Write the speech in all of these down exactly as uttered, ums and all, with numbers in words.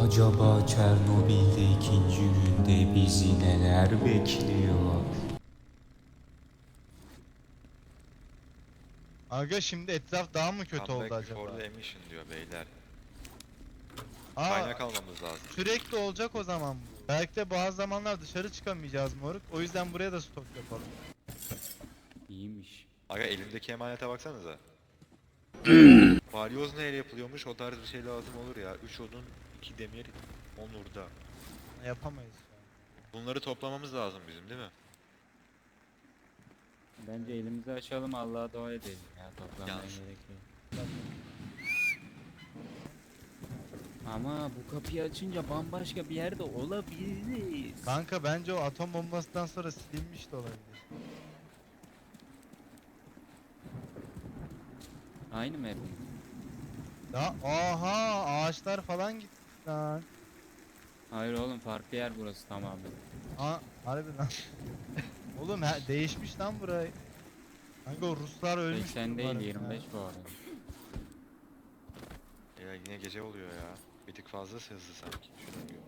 Acaba Çernobil'de ikinci günde bizi neler bekliyor? Aga şimdi etraf daha mı kötü Comeback oldu acaba? before the emission diyor beyler. Aa, Kaynak almamız lazım. sürekli olacak o zaman bu. Belki de bazı zamanlar dışarı çıkamayacağız moruk. O yüzden buraya da stok yapalım. İyiymiş. Aga elimdeki emanete baksanıza. Balyoz neyle yapılıyormuş? O tarz bir şey lazım olur ya. üç odun, iki demir, on hurda. Yapamayız şu an. Bunları toplamamız lazım bizim değil mi? Bence elimizi açalım, Allah'a dua edelim ya, toplamaya Yanlış. gerek yok. Ama bu kapıyı açınca bambaşka bir yerde olabiliriz. Kanka bence o atom bombasından sonra silinmiş de olabilir. Aynı mı hep? Ya aha ağaçlar falan gitti lan. Hayır oğlum, farklı yer burası tamamen. Aa harbi lan. Oğlum he, değişmiş lan burayı. Kanka o Ruslar ölmüş. seksen değil, yirmi beş bu arada. Ya yine gece oluyor ya. Bir tık fazla hızlı sanki. Şuna göre.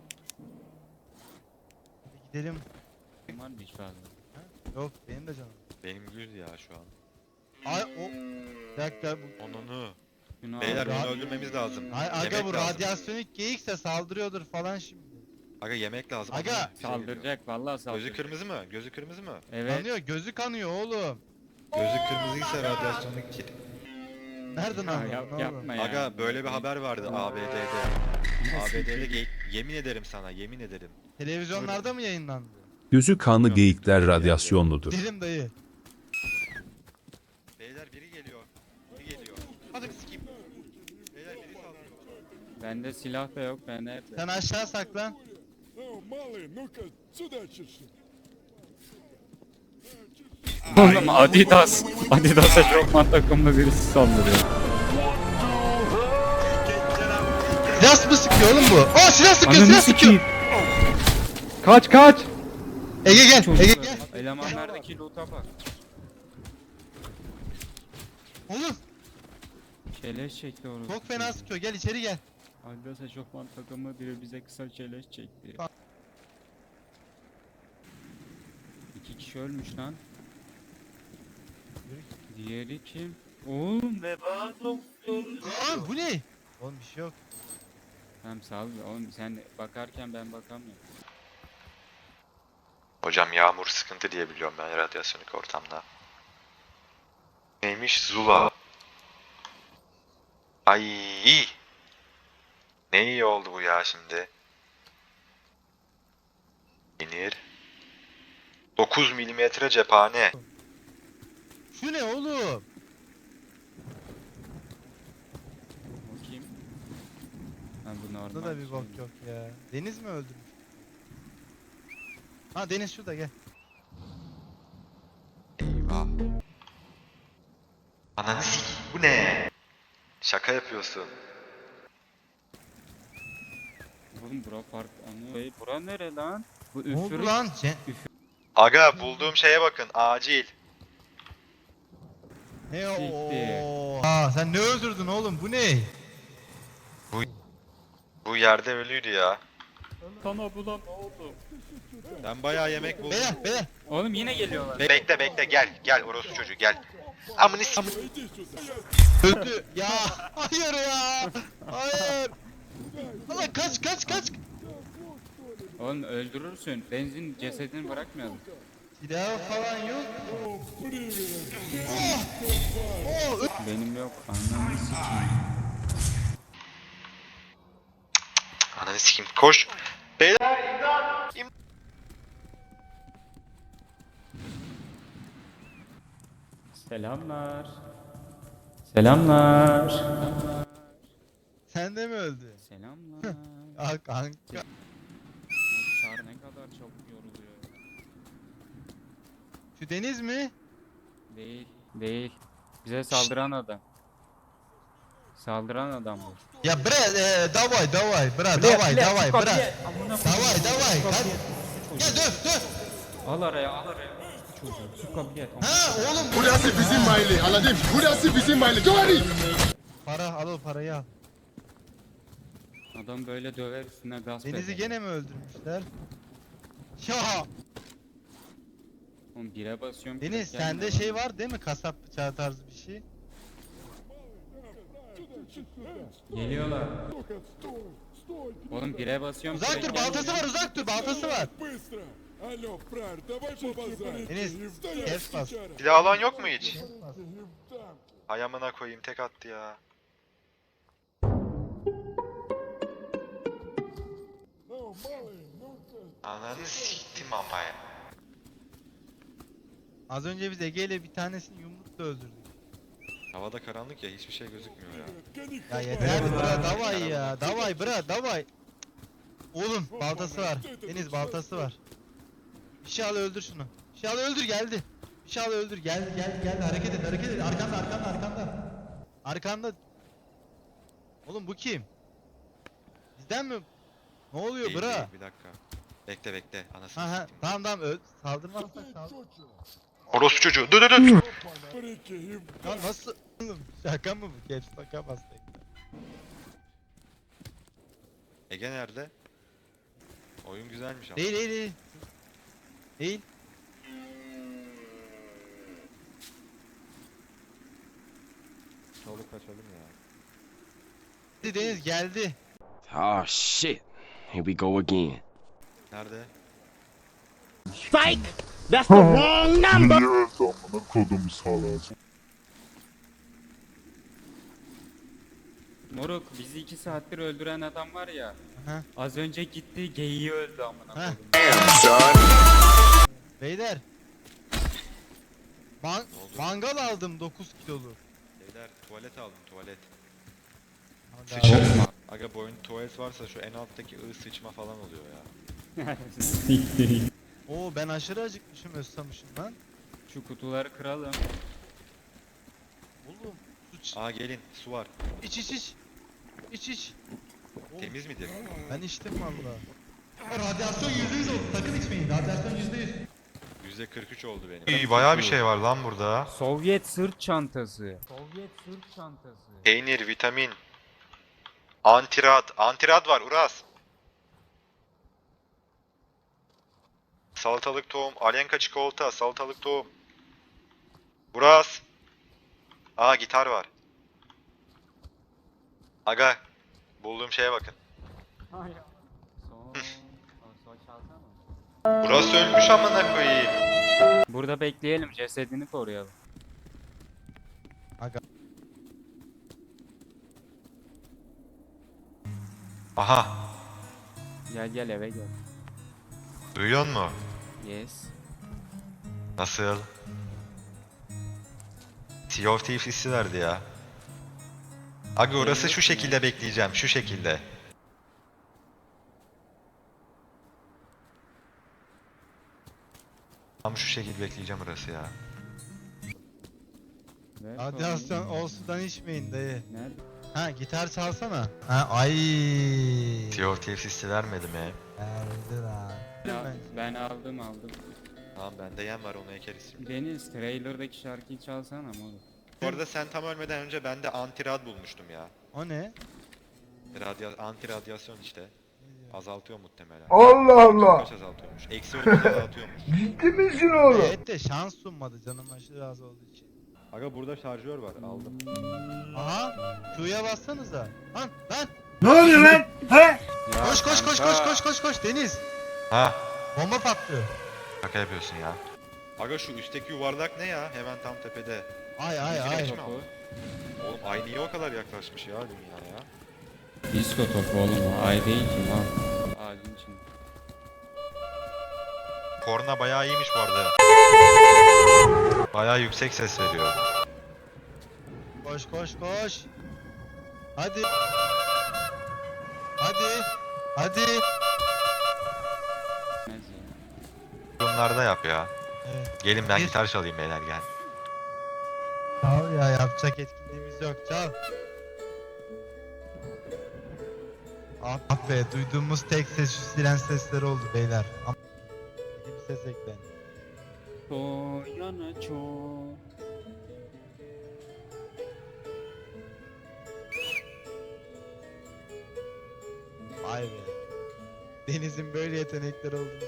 Gidelim. Var mı hiç fazla? Yok benim de canım. Benim yüz ya şu an. Ay o. Bir dakika bu. Onunu. Şunu Beyler al. Ra- bunu öldürmemiz lazım. Ay aga Yemek bu lazım. radyasyonik geyikse saldırıyordur falan şimdi. Aga yemek lazım. Aga! Onunu bir şey geliyor. Saldıracak, vallahi saldıracak. Gözü kırmızı mı? Gözü kırmızı mı? Evet. Kanıyor gözü kanıyor oğlum. Gözü kırmızıysa radyasyonluk kit. Nereden Ya, anladın yap, oğlum? yapma ya. Aga böyle bir haber vardı A B D'de. A B D'de geyik. Yemin ederim sana, yemin ederim. Televizyonlarda mı yayınlandı? Gözü kanlı Yok. geyikler radyasyonludur. Derim dayı. Beyler biri geliyor. Biri geliyor. Hadi bir sikeyim. Beyler biri saldırıyor. Bende silah da yok, bende hep. Sen aşağı saklan. Não, Mali, nunca сюда чеши. Oğlum Adidas. Adidas'a şokman takımlı birisi saldırıyor. Silah mı sıkıyor oğlum bu? Aa silah sıkıyor, Ananı silah sıkıyor. sikeyim. Kaç kaç! Ege gel, Ege Çocuklar, gel. elemanlardaki loot'a bak. Oğlum Çeleş çekti orası. çok fena sıkıyor, gel içeri gel. Adidas şokman takımı biri bize kısa çeleş çekti. Bak. İki kişi ölmüş lan. Diğeri kim? Oğlum veba doktoru. Aa bu ne? Oğlum bir şey yok. Tamam sağ ol. Oğlum sen bakarken ben bakamıyorum. Hocam yağmur sıkıntı diye biliyorum ben radyasyonik ortamda. Neymiş? Zula. Ay. Ne iyi oldu bu ya şimdi. İnir. dokuz milimetre cephane. Şu ne oğlum? O kim? Ha bu normal. Burada da bir bok yok ya. Deniz mi öldürmüş? Ha Deniz şurada gel. Eyvah. Ananı sikeyim, bu ne? Şaka yapıyorsun. Oğlum bura fark anı. Hey, bura nere lan? Bu Ne oldu üfürük. lan? Ce- Aga bulduğum şeye bakın acil. ne Siktir. o? Aa sen ne öldürdün oğlum? Bu ne? Bu yerde ölüydü ya. Sana bulan ne oldu? Ben bayağı yemek buldum. Beyler beyler. Oğlum yine geliyorlar. Be- bekle bekle gel gel orospu çocuğu gel. Amını sikeyim. Öldü. Ya hayır ya. Hayır. Allah kaç kaç kaç. Oğlum öldürürsün. Benzin cesedini bırakmayalım. Silah falan yok. Oh, ö- Benim yok. Anlamı sikeyim. Ananı sikeyim koş. Beyler. Selamlar. Selamlar. sen de mi öldün? Selamlar. Ah kanka. Oğlum Çağrı ne kadar çabuk yoruluyor. Şu Deniz mi? Değil. Değil. Bize saldıran adam. Saldıran adam bu. Ya bre, e, davay davay, bra, davay davay, bra. Davay davay. Hadi. Ya döv döv. Al araya al araya. Çocuğu su kapıya et. Ha oğlum bu. Burası bizim mahalle. Anladın? Burası bizim mahalle. Doğru. Para al o parayı al. Adam böyle döver üstüne gasp Deniz'i eder. gene mi öldürmüşler? Ya Oğlum bire basıyorum. Deniz direkt sende gelmiyor şey lan. var değil mi? Kasap bıçağı tarzı bir şey. Geliyorlar. Ну-ка, стой, стой! Oğlum bire basıyorum. Uzak direkt dur, baltası gelmiyor. var, uzak dur, baltası var. Быстро! Алло, фраер, давай побазарим! Deniz, kes bas. Silah alan yok mu hiç? Им там! Hay amına koyayım tek attı ya. Ну, малый, ну-ка! Ananı siktim ama ya. Az önce biz Ege ile bir tanesini yumrukla öldürdük. Havada karanlık ya hiçbir şey gözükmüyor ya. Гони Ya хабар! yeter bra, davay ya, davay bra, davay. Oğlum baltası var. Deniz baltası var. Bir şey al öldür şunu. Bir şey al öldür geldi. Bir şey al öldür geldi geldi geldi hareket et hareket et arkanda arkanda arkanda. Arkanda. Oğlum bu kim? Bizden mi? Ne oluyor Değil, bra? değil, bir dakika. Bekle bekle anasını Ha ha siktim. tamam tamam öl. Saldırmazsak Ты saldır. чё-чё? Orospu çocuğu. Dur dur dur. Прикинь! Ya nasıl? Oğlum şaka mı bu? Caps lock'a bastık. Ege nerede? Oyun güzelmiş ama. Değil değil değil. Değil. Çoluk kaçalım ya. Geldi Deniz geldi. Oh shit. Here we go again. Nerede? Amına kodum salak. Moruk bizi iki saattir öldüren adam var ya. Aha. Az önce gitti geyiği öldü amına Heh. koyayım. Beyler. Man oldu? mangal aldım dokuz kiloluk. Beyler tuvalet aldım tuvalet. Hadi Sıçarım. Aga bu oyunda tuvalet varsa şu en alttaki ı sıçma falan oluyor ya. Oo ben aşırı acıkmışım özsamışım lan. Şu kutuları kıralım. Oğlum su ç- Aa gelin su var. iç iç iç. İç iç. Oğlum, Temiz midir? ben içtim valla. Radyasyon yüzde yüz oldu. Sakın içmeyin. Radyasyon yüzde yüz. yüzde kırk üç oldu benim. İyi bayağı bir şey var lan burada. Sovyet sırt çantası. Sovyet sırt çantası. Peynir, vitamin. Antirad. Antirad var Uras. Salatalık tohum. Alenka çikolata. Salatalık tohum. Uras. Aa gitar var. Aga. Bulduğum şeye bakın. Son... Son çalsana. Uras ölmüş amına koyayım. Burada bekleyelim cesedini koruyalım. Aha. Gel gel eve gel. Duyuyor mu? Yes. Nasıl? Sea of Thieves hissi verdi ya. Aga orası şu şekilde bekleyeceğim. Şu şekilde. Tam şu şekilde bekleyeceğim orası ya. Ver Radyasyon konuyu. o sudan içmeyin dayı. Nerede? Ha gitar çalsana. Ha ay. Sea of Thieves hissi vermedi mi? Verdi lan. Ya, Ben- ben aldım aldım. Tamam bende yem var onu ekeriz şimdi. Deniz trailer'daki şarkıyı çalsana moruk. Bu arada sen tam ölmeden önce ben de antirad bulmuştum ya. O ne? Radya anti radyasyon işte. Azaltıyor muhtemelen. Allah Allah. Kaç azaltıyormuş? Eksi otuz azaltıyormuş. Ciddi misin oğlum? Evet de şans sunmadı canım aşırı az olduğu için. Aga burada şarjör var aldım. Aha. Q'ya bassanıza. Lan lan. Ne oluyor lan? He? Ya Koş koş koş kanka, koş koş koş koş Deniz. Ha? Bomba patlıyor. Şaka yapıyorsun ya. Aga şu üstteki yuvarlak ne ya? Hemen tam tepede. Ay ay Ay. ay. Topu. Oğlum ay niye o kadar yaklaşmış ya dünyaya? Disko topu oğlum o ay değil ki lan. Ağacın içinde. Korna bayağı iyiymiş bu arada. Bayağı yüksek ses veriyor. Koş koş koş. Hadi. Hadi. Hadi. Neyse ya. Bunlarda yap ya. Evet. Gelin ben Bir- gitar çalayım beyler gel. Çal ya yapacak etkinliğimiz yok çal. Ah be duyduğumuz tek ses şu siren sesleri oldu beyler. Ama bir ses eklendi. Soyana çok. Vay be. Deniz'in böyle yetenekleri olduğunu.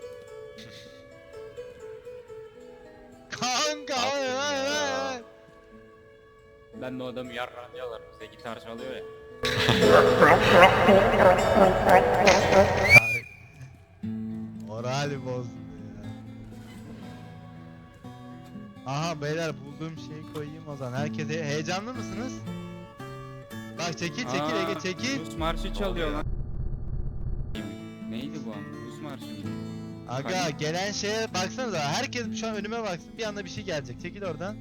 Kanka hayır hayır hayır. Ben de o adamı yarrağını yalarım. Bize gitar çalıyor ya. Morali bozdu ya. Aha beyler bulduğum şeyi koyayım o zaman. Herkes he- heyecanlı mısınız? Bak çekil çekil Aa, Ege çekil. Rus marşı çalıyor lan. Neydi bu an? Rus marşı mı? Aga Hani? gelen şeye baksanıza. Herkes şu an önüme baksın. Bir anda bir şey gelecek. Çekil oradan.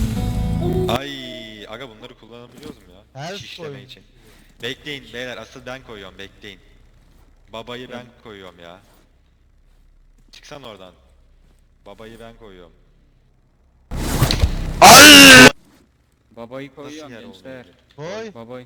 Ay aga bunları kullanabiliyoruz mu ya? Her Şişleme koyun. için. Bekleyin beyler asıl ben koyuyorum bekleyin. Babayı ben koyuyorum ya. Çıksan oradan. Babayı ben koyuyorum. Babayı Nasıl koyuyorum yer gençler. olmuyor? Koy. Babayı.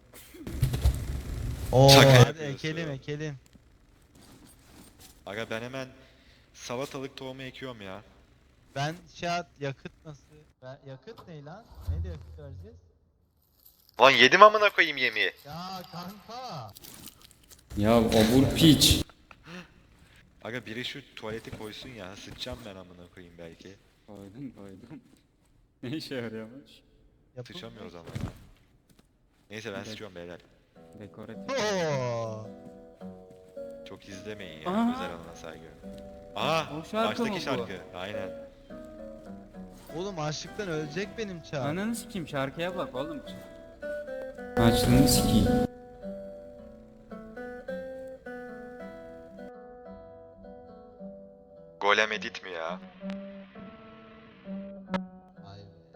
Oo Şaka hadi yapıyorsun. ekelim ekelim. Aga ben hemen salatalık tohumu ekiyorum ya. Ben şey at yakıt nasıl? Ben, yakıt ne lan? Neyle yakıt vereceğiz? Lan yedim amına koyayım yemeği. Ya kanka. Ya obur piç. Aga biri şu tuvaleti koysun ya sıçacağım ben amına koyayım belki. Koydum koydum. Ne işe yarıyormuş? Yapılmıyor. Sıçamıyoruz ama ya. Neyse ben Evet. sıçıyorum beyler. Dekoratif. Oo. Çok izlemeyin ya Aa. özel alana saygı. Aha O şarkı mı baştaki bu? şarkı aynen. Oğlum açlıktan ölecek benim çağ. Ananı sikeyim şarkıya bak oğlum. Açlığını sikeyim. Golem edit mi ya? Vay be.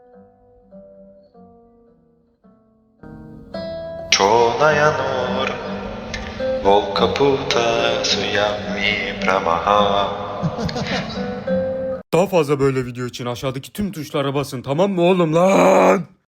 Čolaja nur, volka puta suya mi pramaha. Daha fazla böyle video için aşağıdaki tüm tuşlara basın, tamam mı oğlum lan?